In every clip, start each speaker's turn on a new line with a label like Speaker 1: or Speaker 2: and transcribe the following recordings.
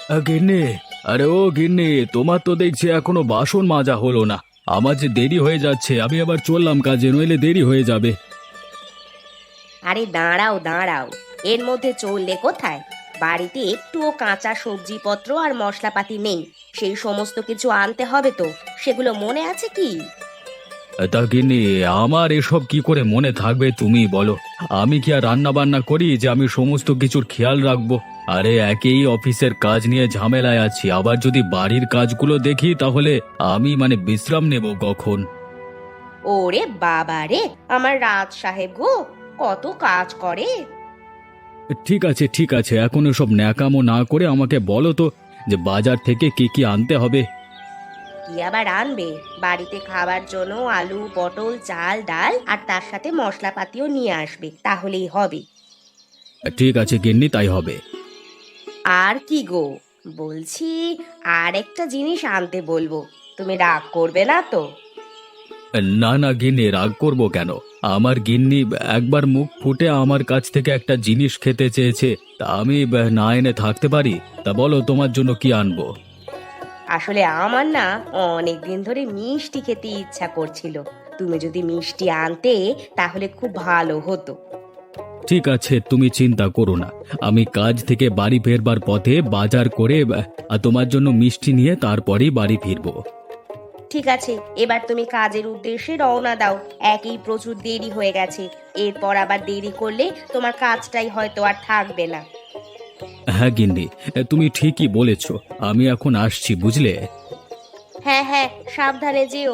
Speaker 1: গিন্নি, আরে ও গিন্নি, তোমার তো দেখছি এখনো বাসন মাজা হলো না। আমার যে দেরি হয়ে যাচ্ছে, আমি আবার চললাম কাজে, নইলে দেরি হয়ে যাবে।
Speaker 2: আরে দাঁড়াও দাঁড়াও, এর মধ্যে চললে কোথায়? বাড়িতে একটুও কাঁচা সবজিপত্র আর মশলাপাতি নেই। সেই সমস্ত কিছু আনতে হবে তো, সেগুলো মনে আছে কি?
Speaker 1: তা গিন্নি, আমার এসব কি করে মনে থাকবে তুমি বলো? আমি কি আর রান্না বান্না করি যে আমি সমস্ত কিছুর খেয়াল রাখবো? আরে একেই অফিসের কাজ নিয়ে ঝামেলায় আছি, আবার যদি বাড়ির কাজগুলো দেখি তাহলে আমি বিশ্রাম নেব কখন?
Speaker 2: ওরে বাবা রে, আমার রাজ সাহেব গো, কত কাজ করে!
Speaker 1: ঠিক আছে ঠিক আছে, এখন এসব ন্যাকামো না করে আমাকে বলো তো যে বাজার থেকে কি কি আনতে হবে।
Speaker 2: কি আবার আনবে? বাড়িতে খাবার জন্য আলু, পটল, চাল, ডাল আর তার সাথে মশলাপাতিও নিয়ে আসবে, তাহলেই হবে।
Speaker 1: ঠিক আছে গিন্নি, তাই হবে।
Speaker 2: আর কি গো, বলছি আর একটা জিনিস আনতে বলবো, তুমি রাগ করবে না তো?
Speaker 1: না না গিন্নি, রাগ করব কেন? আমার গিন্নি একবার মুখ ফুটে আমার কাছ থেকে একটা জিনিস খেতে চেয়েছে, তা আমি না এনে থাকতে পারি? তা বলো তোমার জন্য কি আনবো।
Speaker 2: আসলে আমার না অনেক দিন ধরে মিষ্টি খেতে ইচ্ছা করছিল। তুমি যদি মিষ্টি আনতে তাহলে খুব ভালো হতো।
Speaker 1: ঠিক আছে, তুমি চিন্তা করো না। আমি কাজ থেকে বাড়ি ফেরবার পথে বাজার করে তোমার জন্য মিষ্টি নিয়ে তারপরেই বাড়ি ফিরবো।
Speaker 2: ঠিক আছে, এবার তুমি কাজের উদ্দেশ্যে রওনা দাও। একই প্রচুর দেরি হয়ে গেছে, এরপর আবার দেরি করলে তোমার কাজটাই হয়তো আর থাকবে না।
Speaker 1: হ্যাঁ গিন্নি, তুমি ঠিকই বলেছ। আমি এখন আসছি, বুঝলে।
Speaker 2: হ্যাঁ হ্যাঁ, সাবধানে যেও।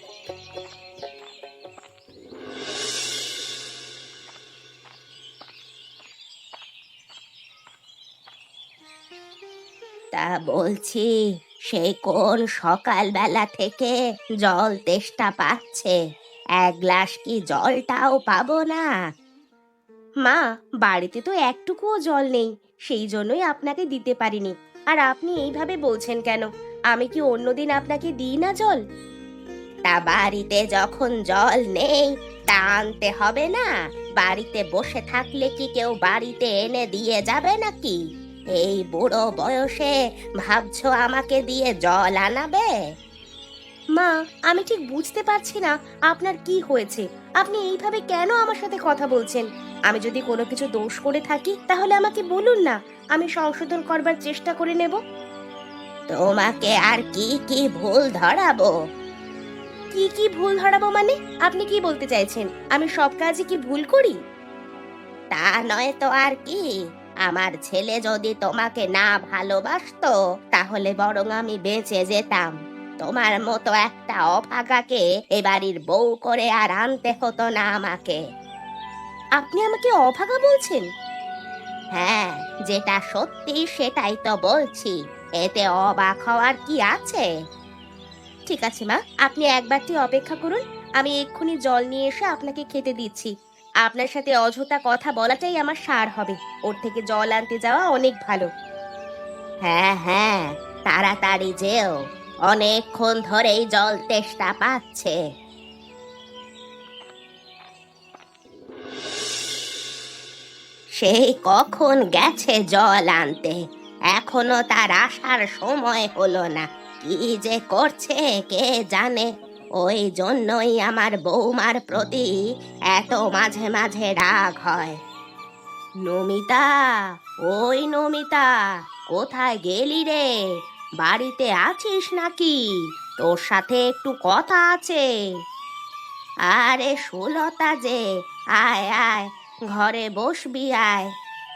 Speaker 2: তা বলছি, সেই কোন সকালবেলা থেকে জল তেষ্টা পাচ্ছে, এক গ্লাস কি জলটাও পাবো না? মা, বাড়িতে তো একটুকুও জল নেই, সেই জন্যই আপনাকে দিতে পারিনি। আর আপনি এইভাবে বলছেন কেন? আমি কি অন্যদিন আপনাকে দিই না জল? তা বাড়িতে যখন জল নেই, তা আনতে হবে না? বাড়িতে বসে থাকলে কি কেউ বাড়িতে এনে দিয়ে যাবে নাকি? এই বুড়ো বয়সে ভাবছো আমাকে দিয়ে জল আনাবে? মা, আমি ঠিক বুঝতে পারছি না আপনার কি হয়েছে। আপনি এইভাবে কেন আমার সাথে কথা বলছেন? আমি যদি কোনো কিছু দোষ করে থাকি তাহলে আমাকে বলুন না, আমি সংশোধন করবার চেষ্টা করে নেব। তোমাকে আর কি কি ভুল ধরাবো? কি কি ভুল ধরাবো মানে? আপনি কি বলতে চাইছেন আমি সব কাজে কি ভুল করি? তা নয় তো আর কি। আমার ছেলে যদি তোমাকে না ভালোবাসতো তাহলে বরং আমি বেঁচে যেতাম। তোমার মতো একটা অভাগাকে এ বাড়ির বউ করে আর আনতে হতো না আমাকে। আপনি আমাকে অভাগা বলছেন? হ্যাঁ, যেটা সত্যি সেটাই তো বলছি। এতে অবাক হওয়ার কি আছে? ঠিক আছে মা, আপনি একবারটি অপেক্ষা করুন। আমি এক্ষুনি জল নিয়ে এসে আপনাকে খেতে দিচ্ছি। আপনার সাথে অযথা কথা বলাটাই আমার সার হবে, ওর থেকে জল আনতে যাওয়া অনেক ভালো। হ্যাঁ হ্যাঁ, তাড়াতাড়ি যেও, অনেকক্ষণ ধরেই জল তেষ্টা পাচ্ছে। সেই কখন গেছে জল আনতে, এখনো তার আসার সময় হলো না। কি যে করছে কে জানে। ওই জন্যই আমার বৌমার প্রতি এত মাঝে মাঝে রাগ হয়। নমিতা, ওই নমিতা, কোথায় গেলি রে? বাড়িতে আছিস নাকি? তোর সাথে একটু কথা আছে। আরে সুলতা যে, আয় আয়, ঘরে বসবি আয়।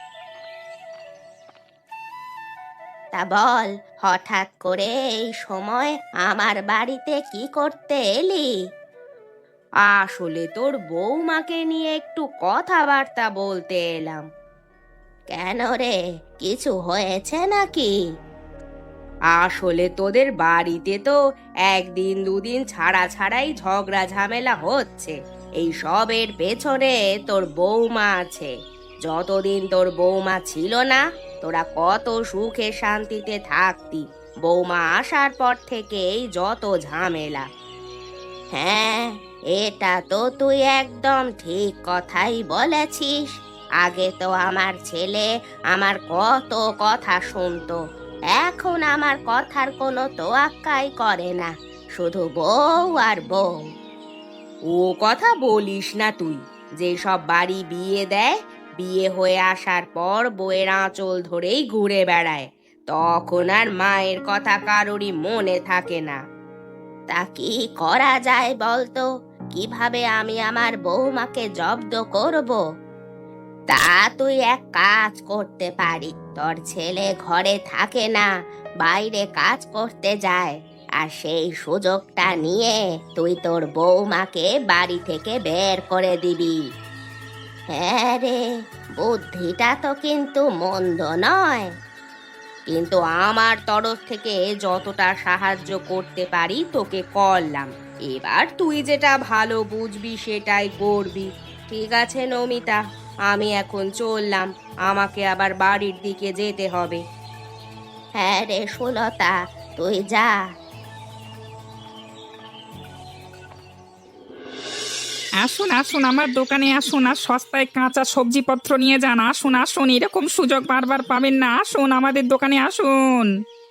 Speaker 2: তা বল, হঠাৎ করে এই সময় আমার বাড়িতে কি করতে এলি? আসলে তোর বৌমাকে নিয়ে একটু কথাবার্তা বলতে এলাম। কেন রে, কিছু হয়েছে নাকি? আসলে তোদের বাড়িতে তো একদিন দুদিন ছাড়া ছাড়াই ঝগড়া ঝামেলা হচ্ছে। এই সবের পেছনে তোর বৌমা আছে। যতদিন তোর বৌমা ছিল না, তোরা কত সুখে শান্তিতে থাকতি। বৌমা আসার পর থেকেই যত ঝামেলা। হ্যাঁ, এটা তো তুই একদম ঠিক কথাই বলেছিস। আগে তো আমার ছেলে আমার কত কথা শুনতো, এখন আমার কথার কোনো তোয়াক্কাই করে না, শুধু বউ আর বউ। ও কথা বলিস না তুই, যে সব বাড়ি বিয়ে দেয়, বিয়ে হয়ে আসার পর বউয়ের আঁচল ধরেই ঘুরে বেড়ায়, তখন আর মায়ের কথা কারোরই মনে থাকে না। তা কি করা যায় বলতো? কিভাবে আমি আমার বৌমাকে জব্দ করব? তা তুই এক কাজ করতে পারি, তোর ছেলে ঘরে থাকে না, বাইরে কাজ করতে যায়, আর সেই সুযোগটা নিয়ে তুই তোর বৌমাকে বাড়ি থেকে বের করে দিবি। হ্যাঁ রে, বুদ্ধিটা তো কিন্তু মন্দ নয়, কিন্তু আমার তরফ থেকে যতটা সাহায্য করতে পারি তোকে করলাম, এবার তুই যেটা ভালো বুঝবি সেটাই করবি। ঠিক আছে নমিতা, আমি এখন চললাম, আমাকে আবার বাড়ির দিকে যেতে হবে। হ্যাঁ রে সুলতা, তুই যা।
Speaker 3: আসুন আসুন, আমার দোকানে আসুন, আর সস্তায় কাঁচা সবজিপত্র নিয়ে যান। আসুন আসুন, এরকম সুযোগ বারবার পাবেন না। আসুন আমাদের দোকানে আসুন।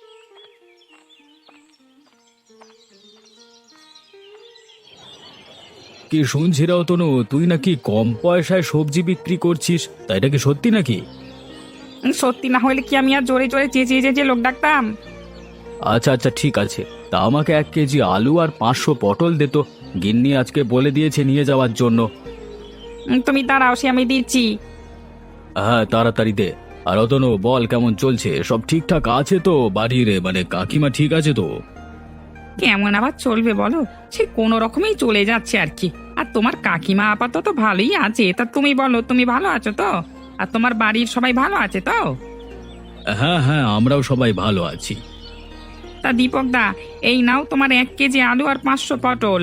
Speaker 1: কি শুনছি রে অতনু, তুই নাকি কম পয়সায় সবজি বিক্রি করছিস, তা এটা কি সত্যি নাকি?
Speaker 3: সত্যি না হলে কি আমি আর জোরে জোরে চেঁচিয়ে চেঁচিয়ে লোক ডাকতাম?
Speaker 1: আচ্ছা আচ্ছা, ঠিক আছে, তা আমাকে 1 কেজি আলু আর 500 পটল দে তো। গিন্নি আজকে বলে দিয়েছে নিয়ে যাওয়ার জন্য।
Speaker 3: তুমি দাঁড়াও, সে আমি দিচ্ছি।
Speaker 1: হ্যাঁ, তাড়াতাড়ি দে। আর অতনু, বল কেমন চলছে, সব ঠিকঠাক আছে তো বাড়ির? মানে কাকিমা ঠিক আছে তো?
Speaker 3: কেমন আবার চলবে বলো, সে কোনো রকমেই চলে যাচ্ছে আর কি। আর তোমার কাকিমা আপাতত ভালোই আছে। তা তুমি বলো, তুমি ভালো আছো তো? আর তোমার বাড়ির সবাই ভালো আছে তো?
Speaker 1: হ্যাঁ হ্যাঁ, আমরাও সবাই ভালো আছি।
Speaker 3: তা দীপক দা, এই নাও তোমার 1 কেজি আলু আর 500 পটল।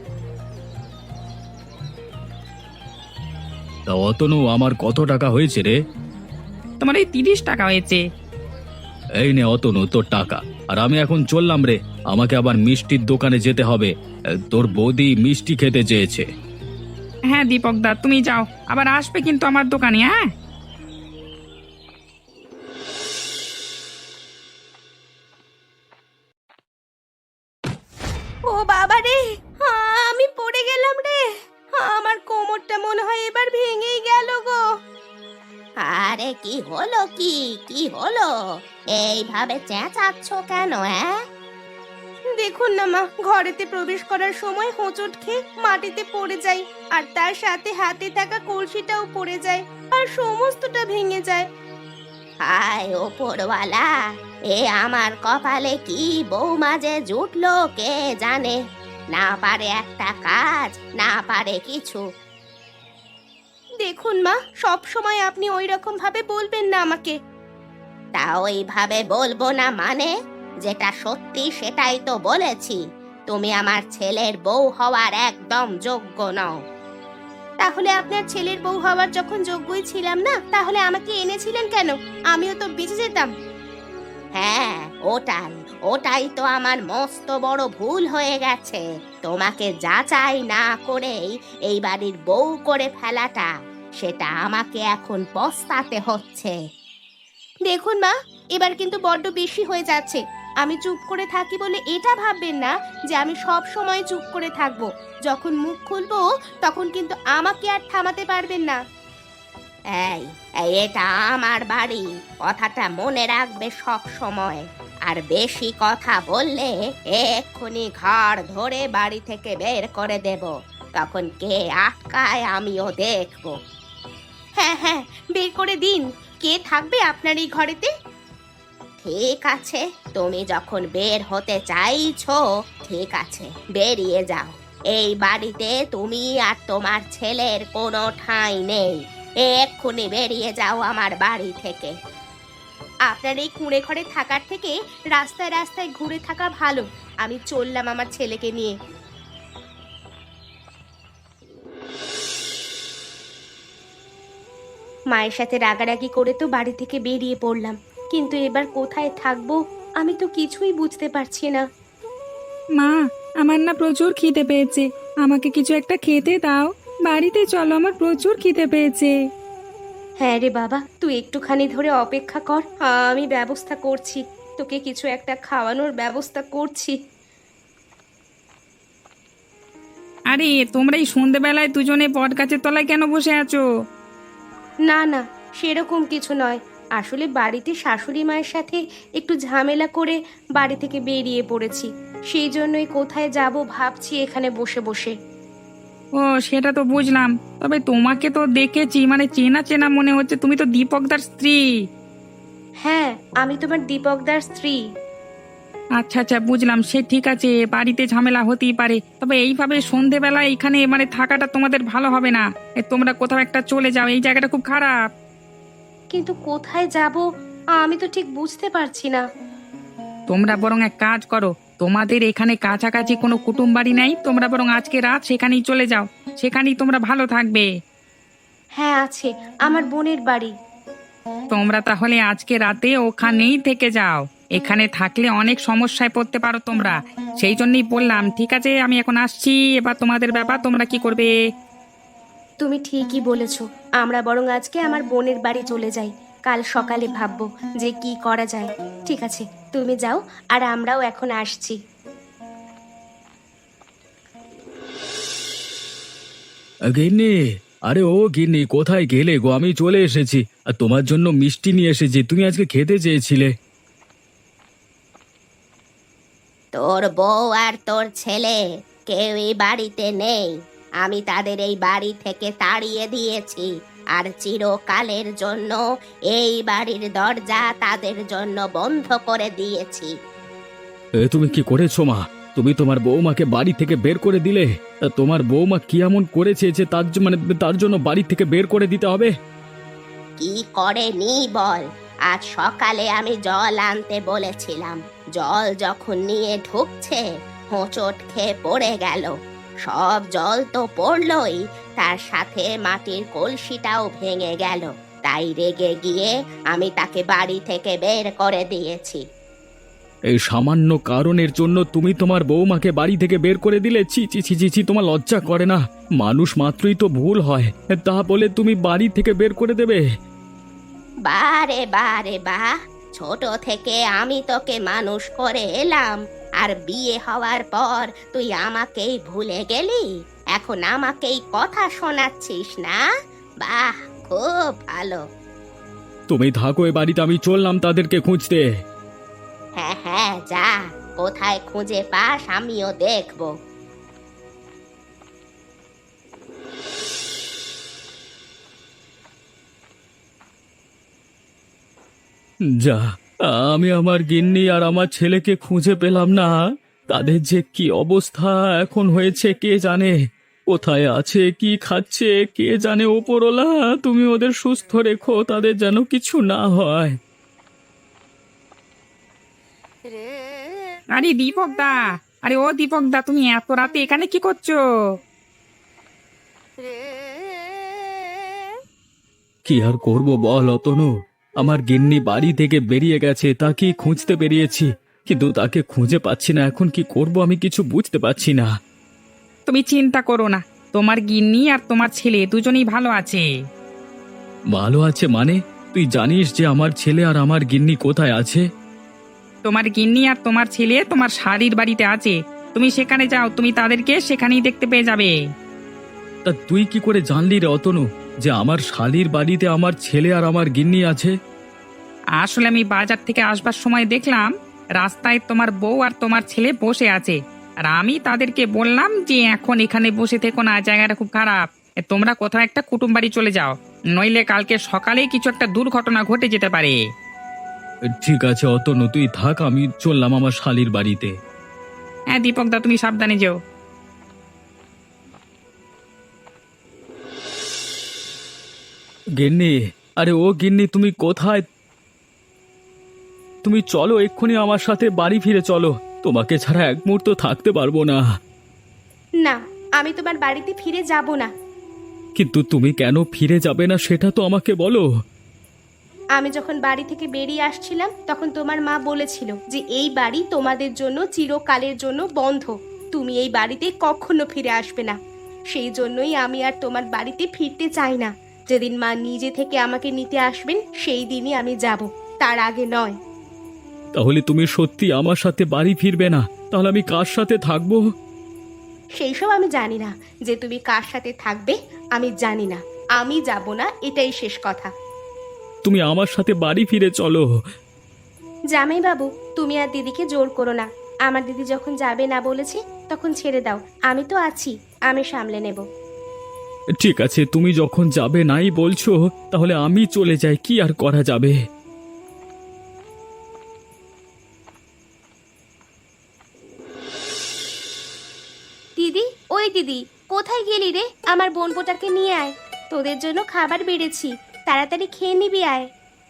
Speaker 1: তা অতনু, আমার কত টাকা হয়েছে রে?
Speaker 3: তোমার এই 30 টাকা হয়েছে।
Speaker 1: এই নে অতনু তোর টাকা। আর আমি এখন চললাম রে, আমাকে আবার মিষ্টির দোকানে যেতে হবে। তোর বৌদি মিষ্টি খেতে চেয়েছে।
Speaker 3: হ্যাঁ দীপক দা, তুমি যাও, আবার আসবে কিন্তু আমার দোকানে। হ্যাঁ,
Speaker 2: ও বাবা রে, আমি পড়ে গেলাম রে, আমার কোমরটা মনে হয় এবার ভেঙেই গেল গো। আরে কি হলো, কি কি হলো? এইভাবে চেঁচাচ্ছ কেন? দেখুন না মা, ঘরেতে প্রবেশ করার সময় হোঁচট খেয়ে মাটিতে পড়ে যাই, আর তার সাথে হাতে থাকা কলসিটাও পড়ে যায়, আর সমস্তটা ভেঙে যায়। হায় ওপরওয়ালা, এ আমার কপালে কি বৌমা যে জুটলো কে জানে, না পারে একটা কাজ, না পারে কিছু। দেখুন মা, সব সময় আপনি ওই রকম ভাবে বলবেন না আমাকে। তা ওইভাবে বলবো না মানে? যেটা সত্যি সেটাই তো বলেছি। তুমি আমার ছেলের বউ হওয়ার একদম যোগ্য নও। তাহলে আপনার ছেলের বউ হওয়ার যখন যোগ্যই ছিলাম না, তাহলে আমাকে এনেছিলেন কেন? আমিও তো বেঁচে যেতাম। হ্যাঁ, ওটাই ওটাই তো আমার মস্ত বড় ভুল হয়ে গেছে, তোমাকে যাচাই না করেই এই বাড়ির বউ করে ফেলাটা। সেটা আমাকে এখন পস্তাতে হচ্ছে। দেখুন মা, এবার কিন্তু বড্ড বেশি হয়ে যাচ্ছে। আমি চুপ করে থাকি বলে এটা ভাববেন না যে আমি সব সময় চুপ করে থাকবো। যখন মুখ খুলবো তখন কিন্তু আমাকে আর থামাতে পারবেন না। এই এই এটা আমার বাড়ি, কথাটা মনে রাখবে সব সময়। আর বেশি কথা বললে এক্ষুনি ঘর ধরে বাড়ি থেকে বের করে দেব। তখন কে আটকায় আমিও দেখব। হ্যাঁ হ্যাঁ, বের করে দিন। কে থাকবে আপনার এই ঘরেতে? ঠিক আছে, তুমি যখন বের হতে চাইছো, ঠিক আছে, বেরিয়ে যাও। এই বাড়িতে তুমি আর তোমার ছেলের কোনো ঠাঁই নেই। এক্ষুনি বেরিয়ে যাও আমার বাড়ি থেকে। আপনার এই কুঁড়ে ঘরে থাকার থেকে রাস্তায় রাস্তায় ঘুরে থাকা ভালো। আমি চললাম আমার ছেলেকে নিয়ে। মায়ের সাথে রাগারাগি করে তো বাড়ি থেকে বেরিয়ে পড়লাম, কিন্তু এবার কোথায় থাকবো আমি তো কিছুই বুঝতে পারছি না।
Speaker 3: মা, আমার না প্রচুর খিদে পেয়েছে, আমাকে কিছু একটা খেতে দাও। বাড়িতে চলো, আমার প্রচুর খিদে পেয়েছে।
Speaker 2: হ্যাঁ রে বাবা, তুই একটুখানি ধরে অপেক্ষা কর, আমি ব্যবস্থা করছি। তোকে কিছু একটা খাওয়ানোর ব্যবস্থা করছি।
Speaker 3: আরে তোমরা এই সন্ধেবেলায় দুজনে বট গাছের তলায় কেন বসে আছো?
Speaker 2: না না, সেরকম কিছু নয়। আসলে বাড়িতে শাশুড়ি মায়ের সাথে একটু ঝামেলা করে বাড়ি থেকে বেরিয়ে পড়েছি, সেই জন্যই কোথায় যাব ভাবছি এখানে বসে বসে।
Speaker 3: ও সেটা তো বুঝলাম, তবে তোমাকে তো দেখেছি, মানে চেনা চেনা মনে হচ্ছে। তুমি তো দীপকদার স্ত্রী।
Speaker 2: হ্যাঁ, আমি তোমার দীপকদার স্ত্রী।
Speaker 3: আচ্ছা আচ্ছা, বুঝলাম। সে ঠিক আছে, বাড়িতে ঝামেলা হতেই পারে, তবে এইভাবে সন্ধেবেলা এখানে মানে থাকাটা তোমাদের ভালো হবে না। তোমরা কোথাও একটা চলে যাও, এই জায়গাটা খুব খারাপ।
Speaker 2: কিন্তু কোথায় যাব আমি তো ঠিক বুঝতে পারছি না।
Speaker 3: তোমরা বরং এক কাজ করো, তোমাদের এখানে কাছাকাছি কোনো কুটুম বাড়ি নেই? তোমরা বরং আজকে রাত সেখানেই চলে যাও, সেখানেই তোমরা ভালো থাকবে।
Speaker 2: হ্যাঁ আছে, আমার বোনের বাড়ি।
Speaker 3: তোমরা তাহলে আজকে রাতে ওখানেই থেকে যাও। এখানে থাকলে অনেক সমস্যায় পড়তে পারো তোমরা, সেই জন্যই বললাম। ঠিক আছে, আমি এখন আসছি। এবার তোমাদের ব্যাপার, তোমরা কি করবে?
Speaker 2: তুমি ঠিকই বলেছো, আমরা বরং আজকে আমার বোনের বাড়ি চলে যাই। কাল সকালে ভাববো যে কি করা যায়। ঠিক আছে, তুমি যাও, আর আমরাও এখন আসছি।
Speaker 1: গিন্নি, আরে ও গিন্নি, কোথায় গেলে গো? আমি চলে এসেছি, আর তোমার জন্য মিষ্টি নিয়ে এসেছি, তুমি আজকে খেতে চেয়েছিলে।
Speaker 2: তোর বউ আর তোর ছেলে কেউই বাড়িতে নেই। আমি তাদের এই বাড়ি থেকে তাড়িয়ে দিয়েছি, আর চিরকালের জন্য এই বাড়ির দরজা তাদের জন্য বন্ধ করে দিয়েছি।
Speaker 1: তুমি কি করেছো মা? তুমি তোমার বৌমাকে বাড়ি থেকে বের করে দিলে? তা তোমার বৌমা কি এমন করেছে যে তার জন্য বাড়ি থেকে বের করে দিতে হবে?
Speaker 2: কি করে নি বল? আজ সকালে আমি জল আনতে বলেছিলাম, জল যখন নিয়ে ঢুকছে হোঁচট খেয়ে পড়ে গেল। সব জল তো পড়লই, তার সাথে মাটির কলসিটাও ভেঙে গেল। তাই রেগে গিয়ে আমি তাকে বাড়ি থেকে বের করে দিয়েছি।
Speaker 1: এই সামান্য কারণের জন্য তুমি তোমার বৌমাকে বাড়ি থেকে বের করে দিলে? ছি ছি ছি ছি ছি, তোমার লজ্জা করে না? মানুষ মাত্রই তো ভুল হয়, তা বলে তুমি বাড়ি থেকে বের করে দেবে?
Speaker 2: বারে বারে বা, ছোট থেকে আমি তোকে মানুষ করে এলাম, আর বিয়ে হওয়ার পর তুই আমাকেই ভুলে গেলি? এখন আমাকেই কথা শোনাচ্ছিস না? বাহ, খুব ভালো।
Speaker 1: তুমি থাকো এ বাড়িতে, আমি চললাম তাদেরকে খুঁজতে।
Speaker 2: হ্যাঁ হ্যাঁ, যা, কোথায় খুঁজে পাস আমিও দেখবো।
Speaker 1: যা, আমি আমার গিন্নি আর আমার ছেলেকে খুঁজে পেলাম না। তাদের যে কি অবস্থা এখন হয়েছে কে জানে। কোথায় আছে, কি খাচ্ছে কে জানে। ওপরওয়ালা, তুমি ওদের সুস্থ রেখো, তাদের যেন কিছু না হয়।
Speaker 3: আরে দীপকদা, আরে ও দীপকদা, তুমি এত রাতে এখানে কি করছো?
Speaker 1: কি আর করব বল অতনু, আমার গিন্নি বাড়ি থেকে বেরিয়ে গেছে, তাকে খুঁজতে বেরিয়েছি, কিন্তু তাকে খুঁজে পাচ্ছি না। এখন কি করব আমি কিছু বুঝতে পারছি না।
Speaker 3: তুমি চিন্তা করো না, তোমার গিন্নি আর তোমার ছেলে দুজনেই ভালো আছে।
Speaker 1: ভালো আছে মানে? তুই জানিস যে আমার ছেলে আর আমার গিন্নি কোথায় আছে?
Speaker 3: তোমার গিন্নি আর তোমার ছেলে তোমার শাড়ির বাড়িতে আছে। তুমি সেখানে যাও, তুমি তাদেরকে সেখানেই দেখতে পেয়ে যাবে।
Speaker 1: তা তুই কি করে জানলি রে অতনু যে আমার শালির বাড়িতে আমার ছেলে আর আমার গিন্নি আছে?
Speaker 3: আসলে আমি বাজার থেকে আসবার সময় দেখলাম রাস্তায় তোমার বউ আর তোমার ছেলে বসে আছে, আর আমি তাদেরকে বললাম যে এখন এখানে বসে থেকো না, জায়গাটা খুব খারাপ। তোমরা কোথাও একটা কুটুম বাড়ি চলে যাও, নইলে কালকে সকালেই কিছু একটা দুর্ঘটনা ঘটে যেতে পারে।
Speaker 1: ঠিক আছে অতনু, তুই থাক, আমি চললাম আমার শালির বাড়িতে।
Speaker 3: হ্যাঁ দীপকদা, তুমি সাবধানে যেও।
Speaker 1: গিন্নি, আরে ও গিন্নি, তুমি কোথায়? তুমি চলো এক্ষুনি আমার সাথে বাড়ি ফিরে চলো, তোমাকে ছাড়া এক মুহূর্ত থাকতে পারবো না।
Speaker 2: না, আমি তোমার বাড়িতে ফিরে যাব না।
Speaker 1: কিন্তু তুমি কেন ফিরে যাবে না সেটা তো আমাকে বলো।
Speaker 2: আমি যখন বাড়ি থেকে বেরিয়ে আসছিলাম তখন তোমার মা বলেছিল যে এই বাড়ি তোমাদের জন্য চিরকালের জন্য বন্ধ, তুমি এই বাড়িতে কখনো ফিরে আসবে না। সেই জন্যই আমি আর তোমার বাড়িতে ফিরতে চাই না। যেদিন মা নিজে থেকে আমাকে নিতে আসবেন সেই দিনই আমি যাব, তার আগে নয়।
Speaker 1: তাহলে তুমি সত্যি আমার সাথে বাড়ি ফিরবে না? তাহলে আমি কার সাথে থাকবো?
Speaker 2: সেই সব আমি জানি না। যে তুমি কার সাথে থাকবে আমি জানি না। আমি যাব না, এটাই শেষ কথা।
Speaker 1: তুমি আমার সাথে বাড়ি ফিরে চলো।
Speaker 2: জামাই বাবু, তুমি আর দিদিকে জোর করো না। আমার দিদি যখন যাবে না বলেছে তখন ছেড়ে দাও। আমি তো আছি, আমি সামলে নেব।
Speaker 1: ঠিক আছে, তুমি যখন যাবে নাই বলছো, তাহলে আমি চলে যাই, কি আর করা যাবে।
Speaker 2: দিদি, ওই দিদি, কোথায় গেলি রে? আমার বোনপোটাকে নিয়ে আয়, তোদের জন্য খাবার বেড়েছি, তাড়াতাড়ি খেয়ে নিবি, আয়।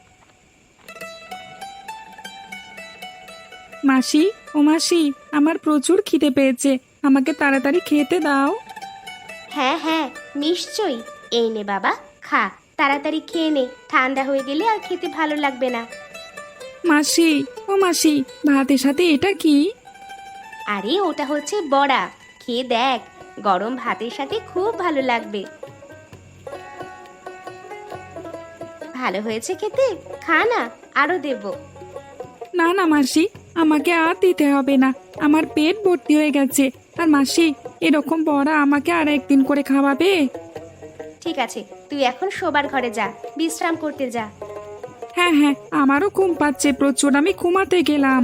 Speaker 3: মাসি, ও মাসি, আমার প্রচুর খিদে পেয়েছে, আমাকে তাড়াতাড়ি খেতে দাও।
Speaker 2: হ্যাঁ হ্যাঁ, নিশ্চয়ই। এই নে বাবা, খা, তাড়াতাড়ি খেয়ে নে, ঠান্ডা হয়ে গেলে আর খেতে ভালো লাগবে না।
Speaker 3: মাসি, ও মাসি, ভাতের সাথে এটা কি?
Speaker 2: আরে ওটা হচ্ছে বড়া, খেয়ে দেখ, গরম ভাতের সাথে খুব ভালো লাগবে। ভালো হয়েছে খেতে, খা না, আরো দেব।
Speaker 3: না না মাসি, আমাকে আর দিতে হবে না, আমার পেট ভর্তি হয়ে গেছে। আর মাসি, এরকম বড়া আমাকে আর একদিন করে খাওয়াবে?
Speaker 2: ঠিক আছে, তুই এখন শোবার ঘরে যা, বিশ্রাম করতে যা।
Speaker 3: হ্যাঁ হ্যাঁ, আমারও ঘুম পাচ্ছে প্রচুর, আমি ঘুমাতে গেলাম।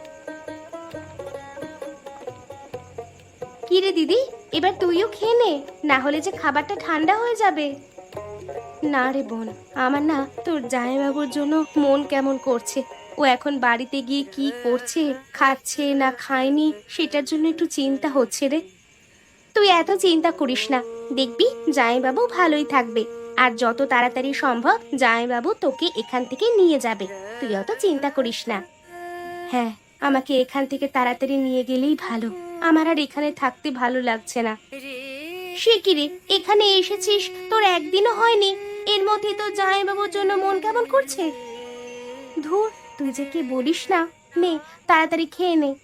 Speaker 2: কি রে দিদি, এবার তুইও খেয়ে নে, না হলে যে খাবারটা ঠান্ডা হয়ে যাবে। না রে বোন, আমার না তোর জামাইবাবুর জন্য মন কেমন করছে। ও এখন বাড়িতে গিয়ে কি করছে, খাচ্ছে না খায়নি, সেটার জন্য একটু চিন্তা হচ্ছে রে। তুই এত চিন্তা করিস না, দেখবি জামাইবাবু ভালোই থাকবে। আর যত তাড়াতাড়ি সম্ভব জামাইবাবু তোকে এখান থেকে নিয়ে যাবে, তুই অত চিন্তা করিস না। হ্যাঁ, আমাকে এখান থেকে তাড়াতাড়ি নিয়ে গেলেই ভালো, আমার আর এখানে থাকতে ভালো লাগছে না। সে কি রে, এখানে এসেছিস, তোর একদিনও হয়নি, এর মধ্যে তোর জামাইবাবুর জন্য মন কেমন করছে? ধুর, তুই যে কি বলিস না। নে, তাড়াতাড়ি খেয়ে নে।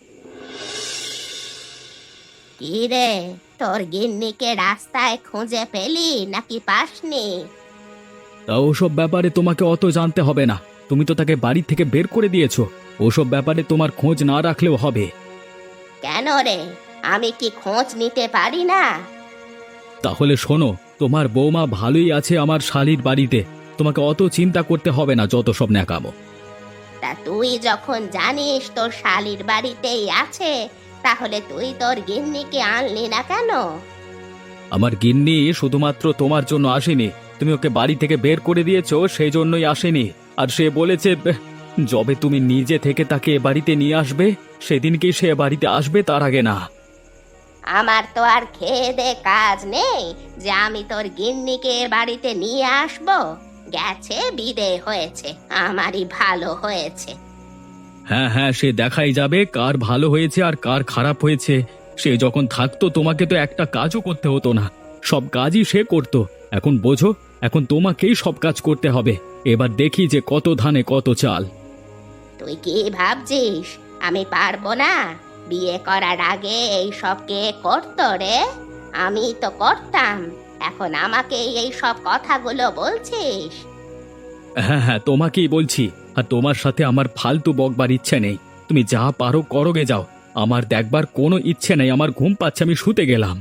Speaker 2: কি রে, তোর গিন্নিকে রাস্তায় খুঁজে পেলি নাকি পাসনি?
Speaker 1: তা ওসব ব্যাপারে তোমাকে অত জানতে হবে না, তুমি তো তাকে বাড়ি থেকে বের করে দিয়েছো। ওসব ব্যাপারে তোমার খোঁজ না রাখলেও হবে।
Speaker 2: কেন রে, আমি কি খোঁজ নিতে পারি না?
Speaker 1: তাহলে শোনো, তোমার বৌমা ভালোই আছে আমার শালির বাড়িতে, তোমাকে অত চিন্তা করতে হবে না যত সব ন্যাকামো।
Speaker 2: তা তুই যখন জানিস তোর শালির বাড়িতেই আছে, তাহলে তুই তোর গিন্নিকে আনলি না কেন?
Speaker 1: আমার গিন্নি শুধুমাত্র তোমার জন্য আসেনি, তুমি ওকে বাড়ি থেকে বের করে দিয়েছো সেই জন্যই আসেনি। আর সে বলেছে যবে তুমি নিজে থেকে তাকে এ বাড়িতে নিয়ে আসবে সেদিনকেই সে এ বাড়িতে আসবে, তার আগে না।
Speaker 2: আমার তো আর খেয়ে দে কাজ নেই যে আমি তোর গিন্নিকে এ বাড়িতে নিয়ে আসবো। গেছে, বিদে হয়েছে, আমারই ভালো হয়েছে।
Speaker 1: হ্যাঁ হ্যাঁ, সে দেখাই যাবে কার ভালো হয়েছে আর কার খারাপ হয়েছে। সে যখন থাকতো তোমাকে তো একটা কাজও করতে হতো না, সব কাজই সে করতো। এখন বোঝো, এখন তোমাকেই সব কাজ করতে হবে। এবার দেখি যে কত ধানে কত চাল।
Speaker 2: তুই কি ভাবছিস আমি পারবো না? বিয়ে করার আগে এই সব কে করতো রে? আমি তো করতাম, এখন আমাকে এই সব কথাগুলো বলছিস?
Speaker 1: হ্যাঁ হ্যাঁ, তোমাকেই বলছি। আর তোমার সাথে আমার ফালতু বকবার ইচ্ছে নেই, তুমি যা পারো করোগে যাও। আমার দেখবার কোনো ইচ্ছে নেই, আমার ঘুম পাচ্ছে, আমি শুতে গেলাম।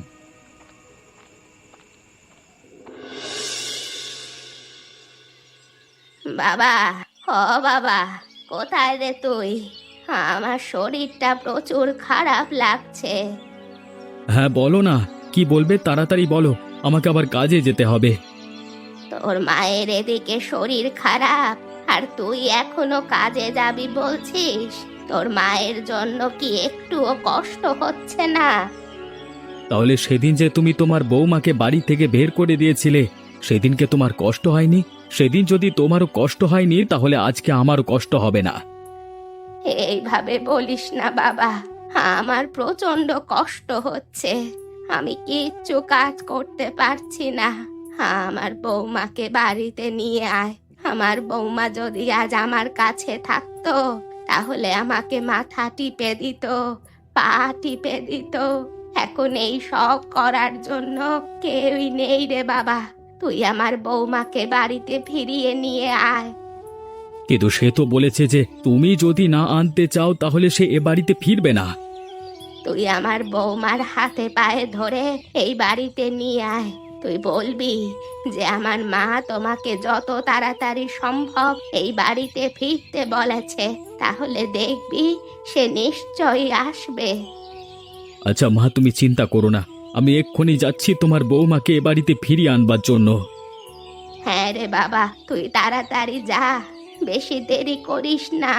Speaker 2: বাবা, ও বাবা, কোথায় রে তুই? আমার শরীরটা প্রচুর খারাপ লাগছে।
Speaker 1: হ্যাঁ বলো না, কি বলবে তাড়াতাড়ি বলো, আমাকে আবার কাজে যেতে হবে।
Speaker 2: তোর মায়ের এদিকে শরীর খারাপ, আর তুই এখনো কাজে যাবি বলছিস? তোর মায়ের জন্য কি একটুও কষ্ট হচ্ছে না?
Speaker 1: তাহলে সেদিন যে তুমি তোমার বৌমাকে বাড়ি থেকে বের করে দিয়েছিলে, সেদিনকে তোমার কষ্ট হয়নি? সেদিন যদি তোমারও কষ্ট হয়নি, তাহলে আজকে আমারও কষ্ট হবে না।
Speaker 2: এইভাবে বলিস না বাবা, আমার প্রচন্ড কষ্ট হচ্ছে, আমি কিচ্ছু কাজ করতে পারছি না। আমার বৌমাকে বাড়িতে নিয়ে আয়। আমার বৌমা যদি আজ আমার কাছে থাকতো, তাহলে আমাকে মাথা টিপে দিত, পা টিপে দিত। এখন এই সব করার জন্য কেউই নেই রে বাবা। তুই আমার বৌমাকে বাড়িতে ফিরিয়ে নিয়ে আয়।
Speaker 1: কিন্তু সে তো বলেছে যে তুমি যদি না আনতে চাও তাহলে সে এ বাড়িতে ফিরবে না।
Speaker 2: তুই আমার বৌমার হাতে পায়ে ধরে এই বাড়িতে নিয়ে আয়। তুই বলবি যে আমার মা তোমাকে যত তাড়াতাড়ি সম্ভব এই বাড়িতে ফিরতে বলেছে, তাহলে দেখবি সে নিশ্চয়ই আসবে।
Speaker 1: আচ্ছা মা, তুমি চিন্তা করো না, আমি এক্ষুনি যাচ্ছি তোমার বৌমাকে এ বাড়িতে ফিরিয়ে আনবার জন্য।
Speaker 2: হ্যাঁ রে বাবা, তুই তাড়াতাড়ি যা, বেশি দেরি করিস না।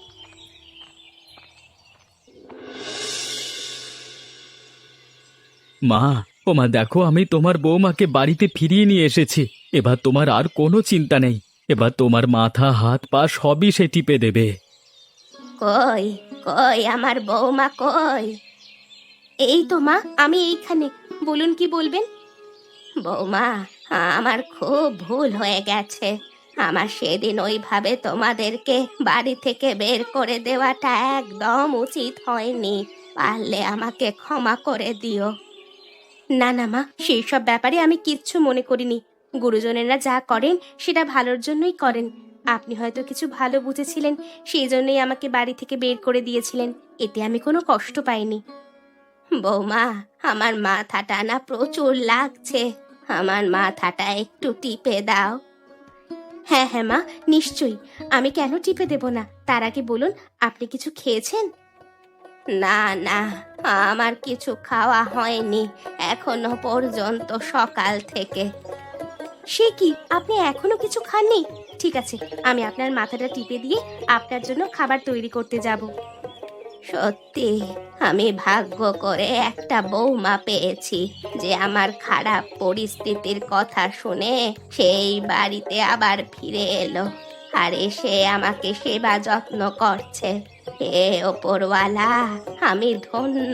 Speaker 1: মা, ও মা, দেখো আমি তোমার বৌমাকে বাড়িতে ফিরিয়ে নিয়ে এসেছি। এবার তোমার আর কোনো চিন্তা নেই। এবার তোমার মাথা হাত পা সবই সে টিপে দেবে।
Speaker 2: কই কই আমার বৌমা কই? এই তো মা, আমি এইখানে। বলুন কি বলবেন? বৌমা, আমার খুব ভুল হয়ে গেছে। আমার সেদিন ওইভাবে তোমাদেরকে বাড়ি থেকে বের করে দেওয়াটা একদম উচিত হয়নি। পারলে আমাকে ক্ষমা করে দিও। না না মা, সেই সব ব্যাপারে আমি কিচ্ছু মনে করিনি। গুরুজনেরা যা করেন সেটা ভালোর জন্যই করেন। আপনি হয়তো কিছু ভালো বুঝেছিলেন, সেই জন্যই আমাকে বাড়ি থেকে বের করে দিয়েছিলেন। এতে আমি কোনো কষ্ট পাইনি। বৌমা, আমার মাথাটা না প্রচুর লাগছে। আমার মাথাটা একটু টিপে দাও। হ্যাঁ হ্যাঁ মা, নিশ্চয়ই। আমি কেন টিপে দেব না? তার আগে বলুন, আপনি কিছু খেয়েছেন? না না, আমার কিছু খাওয়া হয়নি এখনো পর্যন্ত সকাল থেকে। সে কি, আপনি এখনো কিছু খাননি? ঠিক আছে, আমি আপনার মাথাটা টিপে দিয়ে আপনার জন্য খাবার তৈরি করতে যাব। সত্যি আমি ভাগ্য করে একটা বৌমা পেয়েছি যে আমার খারাপ পরিস্থিতির কথা শুনে সেই বাড়িতে আবার ফিরে এলো আর এসে আমাকে সেবা যত্ন করছে। হে ওপরওয়ালা, আমি ধন্য।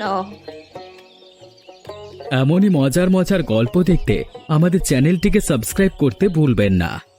Speaker 1: এমনই মজার মজার গল্প দেখতে আমাদের চ্যানেলটিকে সাবস্ক্রাইব করতে ভুলবেন না।